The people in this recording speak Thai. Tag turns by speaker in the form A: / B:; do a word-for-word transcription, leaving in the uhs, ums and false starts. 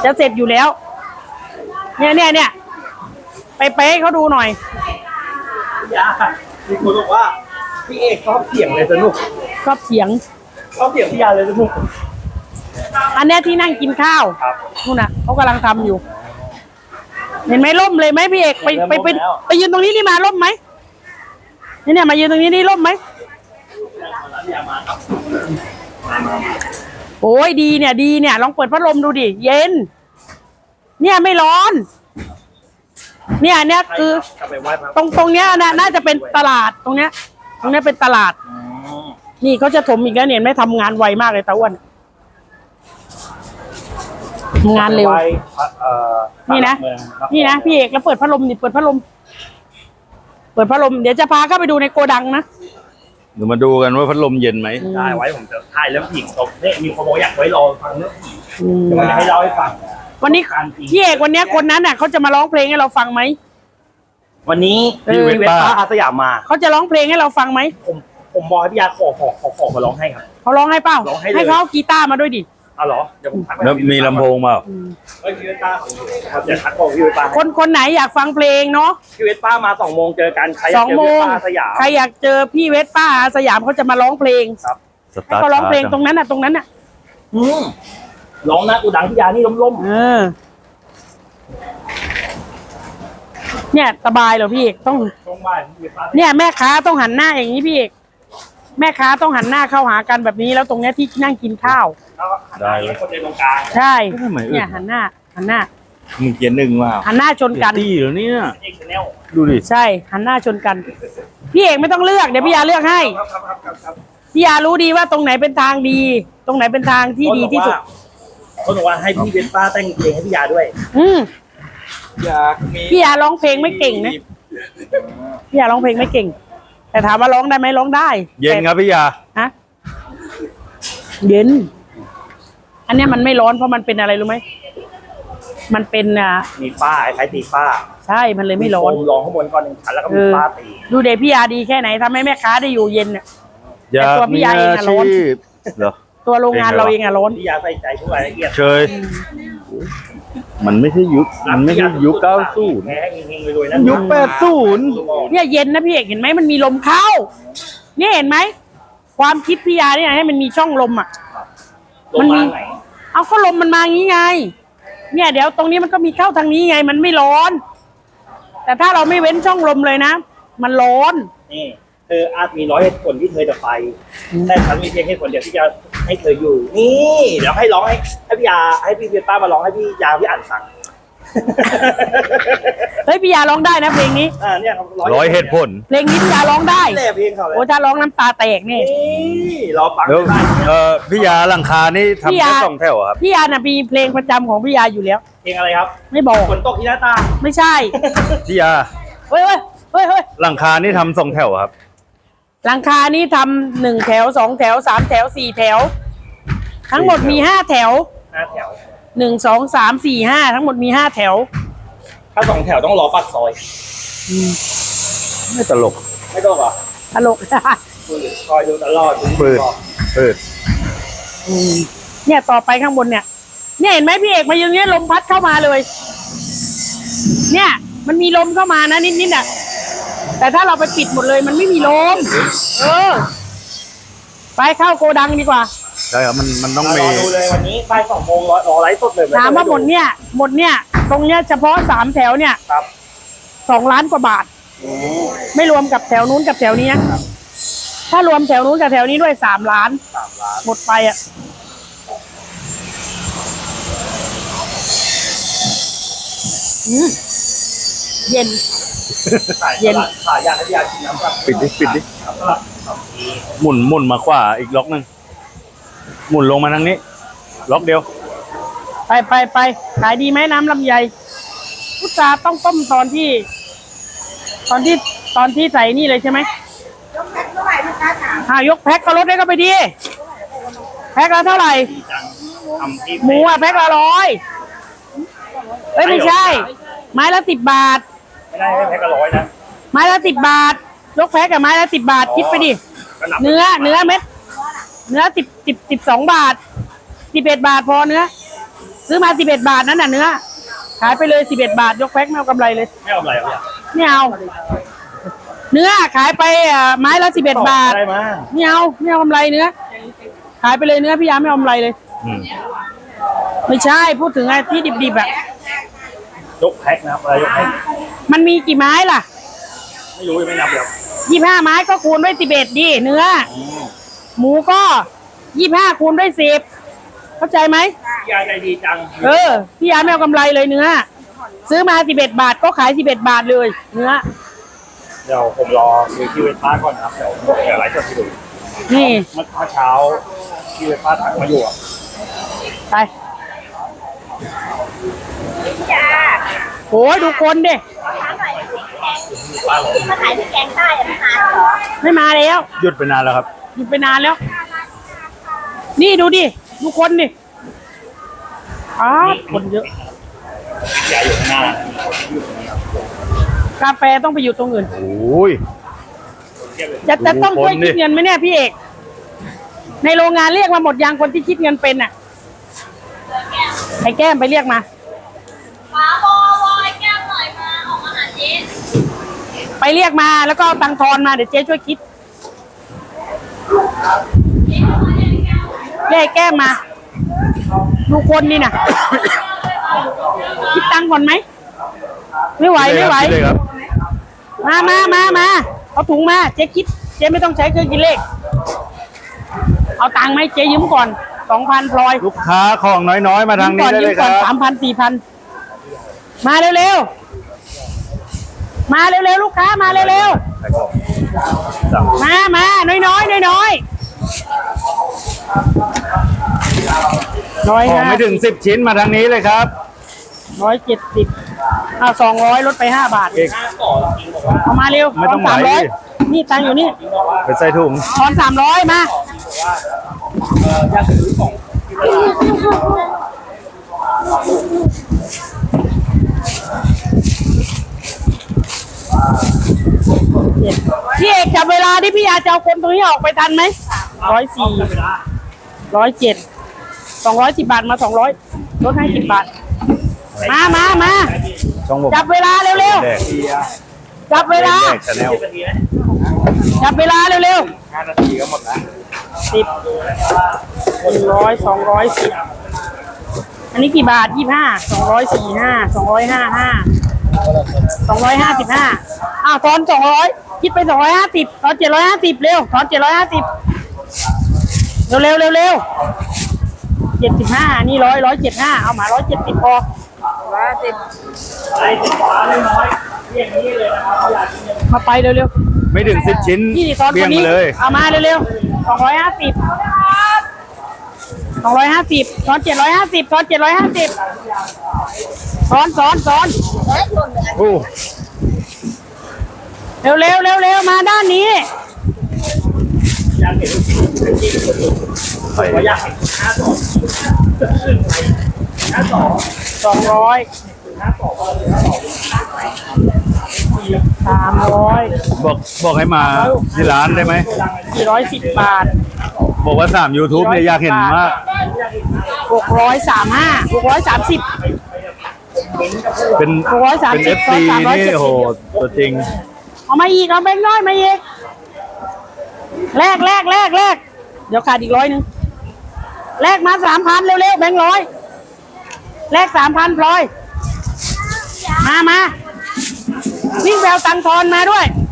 A: จะเสร็จอยู่แล้วเนี่ยเนี่ยเนี่ยไปเป๊ะเขาดูหน่อย
B: ยามีคนบอกว่าพี่เอกชอบเสียงเลยสนุก
A: ชอบเสียง
B: ชอบเสียงพี่ยาเลยสนุก
A: อันนี้ที่นั่งกินข้าวนู่นน่ะเขากำลังทำอยู่เห็นไหมร่มเลยไหมพี่เอกไปไปไปไปยืนตรงนี้นี่มาร่มไหมนี่เนี่ยมายืนตรงนี้นี่ร่มไหมโอ้ยดีเนี่ยดีเนี่ยลองเปิดพัดลมดูดิเย็นเนี่ยไม่ร้อนเนี่ยเนี่ยคือตรงตรงเนี้ยนะน่าจะเป็นตลาดตรงเนี้ยตรงเนี้ยเป็นตลาดนี่เขาจะถมอีกแล้วเนี่ยไม่ทำงานไวมากเลยตาอ้วนงานเร็วนี่นะนี่นะพี่เอกแล้วเปิดพัดลมนี่เปิดพัดลมเปิดพัดลมเดี๋ยวจะพาเข้าไปดูในโกดังนะ
C: เดี๋ยวมาดูกันว่าพัดลมเย็นไหม
B: ได้ไว้ผมจะถ่ายเรื่องผีตกเนี่ยมีคนบอกอยากไว้รอฟังเรื่องผีเดี๋ยวจะให้เล่าให้ฟัง
A: วันนี้พี่เอกวันนี้คนนั้นน่ะเขาจะมาร้องเพลงให้เราฟังไหม
B: วันนี้พี่เวทป้าอาสยามมา
A: เขาจะร้องเพลงให้เราฟังไหม
B: ผมผมบอกให้พี่ยาขอขอขอขอมาร้องให้ครับ
A: เขาร้องให้เปล่าให้เขากีตาร์มาด้วยดิ
B: อ๋อเหรอเดี๋ยวผมทัก
C: แล้วมีลำโพงเปล่า
B: เฮ้ยพี่เวทป้าครับเดี๋ยวทักบอกพี่เวทป้า
A: คนคนไหนอยากฟังเพลงเนาะ
B: พี่เวทป้ามาสองโมงเจอกันใคร
A: สองโมงใครอยากเจอพี่เวทป้าอาสยามเขาจะมาร้องเพลง
B: ครับ
A: ให้เขาร้องเพลงตรงนั้นน่ะตรงนั้นน่ะ
B: อืมร้องนะกูดังพี่ยานี่ล้ม
A: ๆเออเนี่ยสบายเหรอพี่เอกต้องเนี่ยแม่ค้าต้องหันหน้าอย่างนี้พี่เอกแม่ค้าต้องหันหน้าเข้าหากันแบบนี้แล้วตรงเนี้ยที่นั่งกินข้าว
B: ได้เลยคนในตรงกลาง
A: ใช่เนี่ยหันหน้าหันหน้า
C: มึงเกียร์หนึ่งว่า
A: หันหน้าชนกัน
C: ตีเหรอเนี่ย
A: ดูดิใช่หันหน้าชนกันพี่เอกไม่ต้องเลือกเดี๋ยวพี่ยาเลือกให้พี่ยารู้ดีว่าตรงไหนเป็นทางดีตรงไหนเป็นทางที่ดีที่สุด
B: เขาบอกว่าให้พี่เวทป้าแต่งเพลงให้พี่ยาด้วย
A: อืมพี่ยาร้องเพลงไม่เก่งนะพี่ยาร้องเพลงไม่เก่งแต่ถามว่าร้องได้ไหมร้องได้
C: เย็นครับพี่ยา
A: ฮะเย็นอันนี้มันไม่ร้อนเพราะมันเป็นอะไรรู้ไหมมันเป็นอ่ะ
B: มีฝ้าคล้ายตีฝ้า
A: ใช่มันเลยไม่ร้อน
B: ร้องข้างบนก่อนหนึ่งชั้นแล้วก็มีฝ้าตี
A: ดูเด็กพี่ยาดีแค่ไหนทำให้แม่ค้าได้อยู่เย็นเนี่ยแต่ตัวพี่ยาเองอะร้อน
C: เหรอ
A: ตัวโรงงานเราเองอะร้อน
B: พี่ยาใส่ใจทุกรายละเอียด
C: เชยมันไม่ใช่ยุคมันไม่ใช่ยุคเก้าสิบยุคแปดสิบ
A: เนี่ยเย็นนะพี่เอกเห็นไหมมันมีลมเข้าเนี่ยเห็นไหมความคิดพี่ยาเนี่ยให้มันมีช่องลมอ่ะมันมีเอาก็ลมมันมางี้ไงเนี่ยเดี๋ยวตรงนี้มันก็มีเข้าทางนี้ไงมันไม่ร้อนแต่ถ้าเราไม่เว้นช่องลมเลยนะมันร้อน
B: นี่เธออาจมีร้อยเหตุผลที่เธอจะไปแต่ฉันมีเพียงเหตุผลเดียวที่จะให้เธออยู่นี่เดี๋ยวให้ร้องให้ให้พี่ยาให้พี่เวทป้ามาร้องให้พี่ยาพี่อ่านฟัง
A: เฮ้ยพี่ยาร้องได้นะเพลงนี้
B: อ่าเนี่ย
C: ร้อยเหตุผล
A: เพลงนี้พี่ยาร้องได้
B: เพลงเขาเลย
A: โอ้ถ้าร้องน้ำตาแตกนี่
B: รอฟัง
C: ได้เออพี่ยาหลังคานี่ทำแค่สองแถวครับ
A: พี่ยาน่ะมีเพลงประจำของพี่ยาอยู่แล้ว
B: เพลงอะไรครับ
A: ไม่บอก
B: ฝนตกที่หน้าตา
A: ไม่ใช่
C: พี่ยา
A: เฮ้ยเฮ้ยเฮ้ยเฮ้ย
C: หลังคานี่ทำสองแถวครับ
A: หลังคานี่ทำหนึ่งแถวสองแถวสามแถวสี่แถวทั้งหมดมีห้าแถว
B: ห้าแถว
A: หนึ่งสองสามสี่ห้าทั้งหมดมีห้าแถว
B: ถ้าสองแถวต้องรอปากซอย
C: ไม่ตลก
B: ไม่ตลกอ่ะ
A: ตลก
B: คอยดูตลอด
C: เปิดเปิด
A: เนี่ยต่อไปข้างบนเนี่ยเนี่ยเห็นไหมพี่เอกมาอย่างเงี้ยลมพัดเข้ามาเลยเนี่ยมันมีลมเข้ามานะนิดๆอ่ะแต่ถ้าเราไปปิดหมดเลยมันไม่มีลมเออไปเข้าโกดังดีกว่า
C: ใช่ครับมันมันต้องมี
B: รอดูเลยวันนี้บ่ายสองโมงรอไลฟ์สดเลย
A: ถามว่าหมดเนี่ยหมดเนี่ยตรงเนี้ยเฉพาะสามแถวเนี่ย
B: ครับ
A: สองล้านกว่าบาทไม่รวมกับแถวนู้นกับแถวนี้นะถ้ารวมแถวนู้นกับแถวนี้ด้วยสามล้าน
B: สามล้าน
A: หมดไปอ่ะเย็น
B: เย็นขายยาให้ยากินน้ำครับ
C: ปิดดิปิดดิหมุนหมุนมาขวาอีกล็อกนึงหมุนลงมาทางนี้ล็อกเดียว
A: ไปไปไปขายดีไหมน้ำลำไยพุทราต้องต้มตอนที่ตอนที่ตอนที่ใส่นี่เลยใช่ไหมยกแพ็คเท่าไหร่ลูกค้าถามอ่ายกแพ็คก็ลดได้ก็ไปดีแพ็คละเท่าไหร่หมูอ่ะแพ็คละร้อยเอ้ยไม่ใช่ไม้ละสิบบาท
B: ไม่ได้แพ็คละร้อยนะ
A: ไม้ละสิบบาทยกแพ็คกับไม้ละสิบบาทคิดไปดิเนื้อเนื้อเม็ดเนื้อสิบสิบสิบสองบาทสิบเอ็ดบาทพอเนื้อซื้อมาสิบเอ็ดบาทนั่นน่ะเนื้อขายไปเลยสิบเอ็ดบาทยกแพ็คไม่เอากำไรเลย
B: ไม่เอาอะไรครับพี่
A: ไม่เอา เนื้อขายไปอ่ะไม้ละสิบเอ็ดบาท
B: ได้มา
A: ไม่เอาไม่เอากำไรเนื้อขายไปเลยเนื้อพี่ยาไม่เอากำไรเลย
C: อืม
A: ไม่ใช่พูดถึงไอ้ที่ดิบๆอ่ะ
B: ยกแพ็คนะครับอะไรยกแพ็ค
A: มันมีกี่ไม้ล่ะ
B: ไม่รู้ยังไม่นับเลยครับ
A: ยี่ห้าไม้ก็คูณด้วยสิบเอ็ดดิเนื้อ
B: อืม
A: หมูก็ยี่ห้าคูณด้วยสิบเข้าใจไหม
B: พี่ยาใจดีจัง
A: เออพี่ยาไม่เอากำไรเลยเนื้อซื้อมาสิบเอ็ดบาทก็ขายสิบเอ็ดบาทเลยเนื้อ
B: เดี๋ยวผมรอคุยที่เวทป้าก่อนนะครับเดี๋ยวเดี๋ยวไลฟ์สดให้ดู
A: นี่
B: เมื่อเช้าที่เวทป้าทักมาอยู่อะ
A: ไปโอ้ยดูคนดิ
B: ป้าบอก
D: มาขายที่แกงใต้อะไม่มาเหรอ
A: ไม่มาแล้ว
C: หยุดไปนานแล้วครับ
A: หยุดไปนานแล้ว นี่ดูดิดูคนดิอ้าวคนเยอะ
B: พี่ยาอยู่ข้างหน้าอยู่ตรงนี้ครับ
A: กาแฟต้องไปอยู่ตรงอื่น
C: โอ้ย
B: เทียบเลย
A: จะจะต้องช่วย
C: ดูคนดิ
A: คิดเงินไหมเนี่ยพี่เอกในโรงงานเรียกมาหมดยังคนที่คิดเงินเป็นอ่ะไอ้แก้มไปเรียกมา
D: มาบอวอยแก้วหน่อยมาออกมาหาเจ๊
A: ไปเรียกมาแล้วก็เอาตังค์ทอนมาเดี๋ยวเจ๊ช่วยคิดเรียกไอ้แก้มมาดูคนนี่น่ะ คิดตังค์ก่อนไหมไม่ไหวไม่ไหว
C: คิดเลยครับ
A: มามามามาเอาถุงมาเจ๊คิดเจ๊ไม่ต้องใช้เครื่องคิดเลขเอาตังค์ไหมเจ๊ยืมก่อนสองพันพลอย
C: ลูกค้าของน้อยๆ มาทางนี้ได้เลยค
A: ก่
C: รั
A: อนสา
C: บ
A: มพันสี่พันมาเร็วๆมาเร็วๆลูกค้ามาเร็ว
C: สั่ง
A: ๆมามาน้อยๆน้อยๆน้อยน้อย
C: ของ
A: ห้า
C: ไม่ถึงสิบชิ้นมาทางนี้เลยครับ
A: ร้อยเจ็ดสิบเอาสองร้อยลดไปห้าบาท
C: เอก
B: หน้าต่อจริงบอกว่า
A: เอามาเร็ว
C: ไม่ต้อง
A: สาม
C: ไหว
A: ร้อยนี่ตังค์อยู่นี่
C: ไปใส่ถุง
A: ทอนสามร้อยมา
B: เอออยากซื้อของที่ว่า
A: พี่เอกจับเวลาที่พี่ยาจะเอาคนตรงนี้ออกไปทันไหมร้อยสี่
B: เวลา
A: ร้อยเจ็ดสองร้อยสิบบาทมาสองร้อยลดให้สิบบาท มามามา
C: ช่องผม
A: จับเวลาเร็ว
C: แดก
A: ๆจับเวลา
C: แดกชาแนล
B: สิบนาทีนะ
A: จับเวลาเร็ว
B: ห้านาทีก็หมดแล้ว
A: ๆสิบหนึ่งร้อยสองร้อยสิบอันนี้กี่บาทยี่ห้าสองร้อยสี่ห้าสองร้อยห้าห้าสองร้อยห้าสิบห้าอ้าวทอนสองร้อยคิดไปสองร้อยห้าสิบทอนเจ็ดร้อยห้าสิบเร็วทอนเจ็ดร้อยห้าสิบเร็วเร็วเร็วเร็วเจ็ดสิบห้านี่ร้อยร้อยเจ็ดห้าเอามาร้อยเจ็ดสิบพอร้อยสิบ
B: ไอ้สิบฟ้าน้อยๆเรียกนี้เลยนะครับอยากกินเงิน
A: มาไปเร็ว
C: ไม่ถึงสิบชิ้น
A: ๆนี่ทอน
C: เบี้
A: ค
C: ยง
A: นนี้
C: มาเลย
A: เอามาเร็วๆสองร้อยห้าสิบสองร้อยห้าสิบทอนเจ็ดร้อยห้าสิบทอนเจ็ดร้อยห้าสิบทอนสอนสอน
D: เฮ้ยหล่นเลย
C: โอ้
A: เร็วเร็วเร็วเร็วมาด้านนี้
B: อยากเห็นลูกชิ้นลูกชิ้นคนอื่น
C: ไป
B: ว่าอยากเห็นห้าสองห้าสอง
A: สองร้อย
B: ห้าสองก็เลยห้าสอง
A: สามร้อย
C: บอกบอกให้มาที่ร้านได้ไหม
A: สี่ร้อยสิบบาท
C: บอกว่าสาม YouTube เนี่ยอยากเห็นมาก
A: หกร้อยสามห้าหกร้อยสามสิบ
C: เป็น
A: หกร้อยสาม
C: เป็น
A: สิ
C: เอบ ฟซี
A: สามร้อย
C: นี่
A: เจ็ดสิบ
C: โอ้โหตัวจริง
A: เอามาอีกเอาแบงค์น้อยมาอีกแลกแลกแลกแลกเดี๋ยวขาดอีกร้อยหนึ่งแลกมาสามพันเร็วๆแบงค์ร้อยแลกสามพันพลอยมามาวิ่งแววตังค์ทอนมาด้วย